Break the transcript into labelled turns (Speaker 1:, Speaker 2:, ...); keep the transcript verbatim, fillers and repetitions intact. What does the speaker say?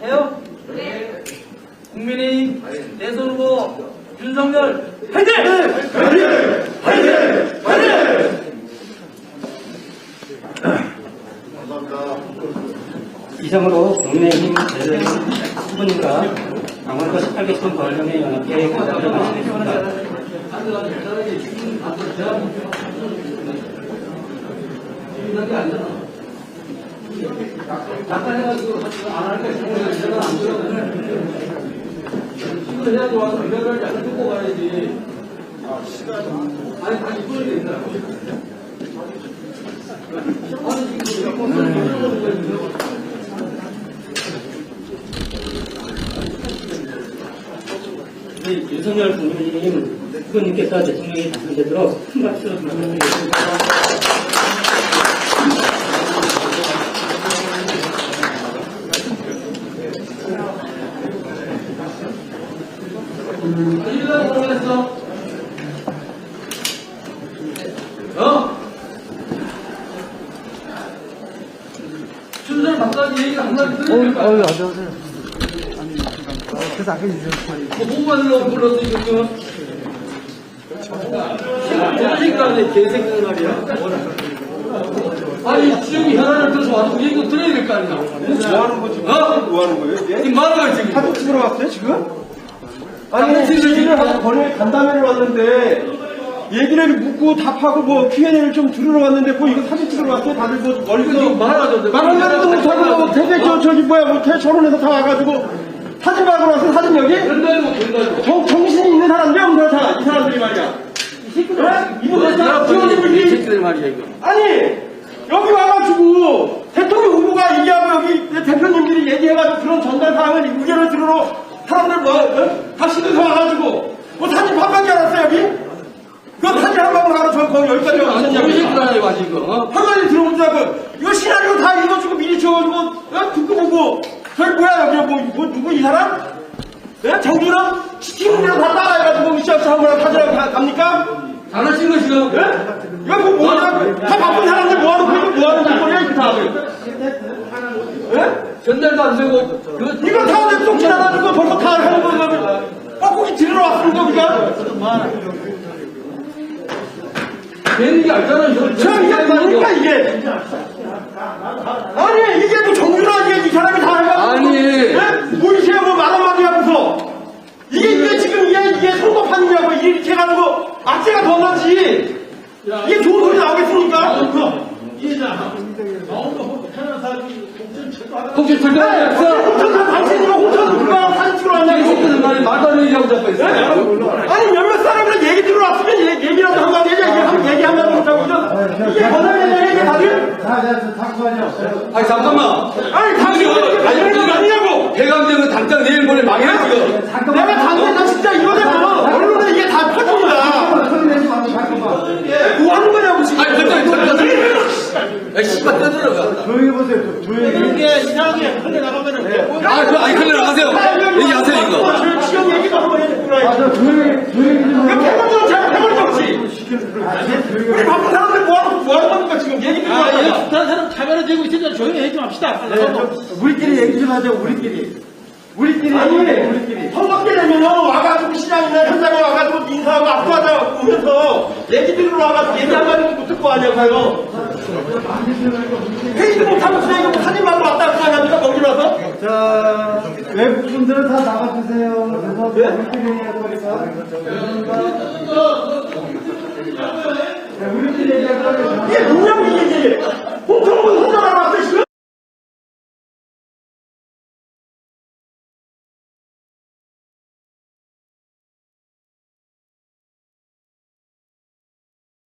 Speaker 1: 해요? 네. 국민의힘 대선 후보 윤석열 화이팅!
Speaker 2: 화이팅! 화이팅! 화이팅! 감사합니다.
Speaker 3: 이상으로 국민의힘 대선 후보님과 강원도 십팔 개 시군 관련의 연합회 간담회 마치겠습니다.
Speaker 1: 잠깐 해가지고 안 할까 싶으면 제가 안 들어요. 시간 해야지 와서 이거를 약간 듣고 가야지. 아, 시간. 아니, 다시 이거야 된다. 아니, 지금
Speaker 3: 네, 윤석열 국민의힘 후보님께서 대통령이 당선되도록 큰 박수로 부탁드리겠습니다.
Speaker 1: 일날 보냈어. 어? 순서를 바꿔야지 얘기가 한마디 들으니까.
Speaker 4: 어유 안녕하세요. 아니 그래서 아까 이제
Speaker 1: 뭐 공부하려고 불렀어 지금. 개새끼라네 개새끼 말이야. 아니 지금 현안을 들어서 와서 얘기 들어야 될 거 아니야.
Speaker 2: 뭐 하는 거지?
Speaker 1: 어?
Speaker 2: 뭐 하는 거예요? 이게?
Speaker 1: 지금 말하는 거야 지금.
Speaker 2: 사진 찍으러 왔어요, 지금?
Speaker 1: 아니,
Speaker 2: 아니,
Speaker 1: 지금
Speaker 2: 질의를 하고 번호에 간담회를 왔는데, 얘기를 묻고 답하고 뭐 큐앤에이를 좀 들으러 왔는데, 뭐 이거 사진 찍으러 왔어요? 다들 뭐 멀리서.
Speaker 1: 말하죠.
Speaker 2: 말하려도 못하고, 뭐 되게 저, 저기 뭐야, 뭐 대철원에서 다 와가지고, 사진 받으러 왔어, 사진 여기?
Speaker 1: 된다고 된다고.
Speaker 2: 정, 정신이 있는 사람들 없는 다, 이 사람들이 말이야. 이 새끼들, 이분들 다 지원님들이.
Speaker 1: 새끼들 말이야 이거.
Speaker 2: 아니 여기 와가지고 대통령 후보가 얘기하고 여기 대표님들이 얘기해가지고 그런 전달 사항을 의견을 들으러 사람들 뭐 어? 다 시도서 와가지고 뭐 사진 반밖에 안 왔어 여기? 그 사진 한 방울 하러 저 거기 여기까지 왔었냐고.
Speaker 1: 새끼들 와 지금. 어?
Speaker 2: 한마디 들어보자고 이거 시나리오 다 읽어주고 미리 쳐가지고 어? 듣고 보고 저기 뭐야 여기 뭐, 뭐 누구 이 사람? 네? 정준영? 시티문이랑 다 따라해가지고 시합차 한번 타자고 갑니까?
Speaker 1: 잘하신 거 지금.
Speaker 2: 예? 이거 뭐 뭐하는 다 바쁜 사람들 뭐하는 거야? 뭐하는 짓거리야 이렇게 다들. 예?
Speaker 1: 전달도 안 되고. 이거
Speaker 2: 이거 다 쏙 지나가지고 벌써 다 하는 거야. 뻐꾸기 들으러 왔습니다 우리가.
Speaker 1: 되는 게 알잖아.
Speaker 2: 참 이게 뭡니까 이게? 아니 이게 뭐 정준하 이게 이 사람이 다 해가지고.
Speaker 1: 아니.
Speaker 2: 예? 보이세요 뭐 말 한마디 하면서. 이게 이게 지금 이게 이게 선거판이냐고 이렇게 해가지고 악재가 더 나지. 이게 좋은 소리 나오겠습니까?
Speaker 1: 혹시
Speaker 2: 네,
Speaker 1: 들어가서
Speaker 2: 홍천사 당신이면 홍천사 누가 사진 찍으러 왔냐고.
Speaker 1: 새끼들 말이 말도 안 되는 얘기하고 자꾸 있어.
Speaker 2: 아니 몇몇 사람들 얘기 들어왔으면 얘기, 얘기라도 한마디 해야 얘기, 한, 얘기 한마디 못하고 있어. 이게 권한이냐 얘기 다들?
Speaker 1: 아니 잠깐만.
Speaker 2: 아니 당신이 아니 그거 아니냐고.
Speaker 1: 대감정은 당장 내일 모레 망해 지금.
Speaker 2: 내가 당장 나 진짜 이거냐고. 언론에 이게 다 퍼집니다. 뭐 하는 거냐고 지금.
Speaker 1: 아니 갑자기 들어가서. 야 씨발 떠들어가.
Speaker 4: 조용히 보세요. 조용히.
Speaker 2: 이게 이상하게 흘러 나가면은.
Speaker 1: 아 그 아니 흘러 나가세요. 얘기하세요 이거.
Speaker 2: 저 지역 얘기도 한번 해주구나.
Speaker 4: 아저 조용히 조용히 좀
Speaker 2: 그
Speaker 4: 하고.
Speaker 2: 패널도 제가 패널도 없지. 우리 바쁜 사람들 뭐하는 뭐 하는 겁니까 지금 얘기 듣고 왔잖아.
Speaker 1: 다른 사람 카메라 들고 있으니까 조용히 얘기 좀 합시다.
Speaker 4: 네, 좀 우리끼리 얘기 좀 하자. 우리끼리. 우리끼리.
Speaker 2: 아니,
Speaker 4: 우리끼리.
Speaker 2: 선거 때 되면은 와가지고 시장이나 현장에 와가지고 인사하고 악수하자 오면서 얘기 들으러 와가지고 얘기 한마디도 못 듣고 하냐고요. 회의도 못하고 그냥 이거 사진만 왔다 갔다 합니까 거기 와서?
Speaker 4: 자 외국 분들은 다 나가주세요. 그래서 우리끼리 얘기할 거니까. 네, 우리끼리 얘기할 거니까.
Speaker 2: 이게 뭐냐고 이게 이게. 홍천군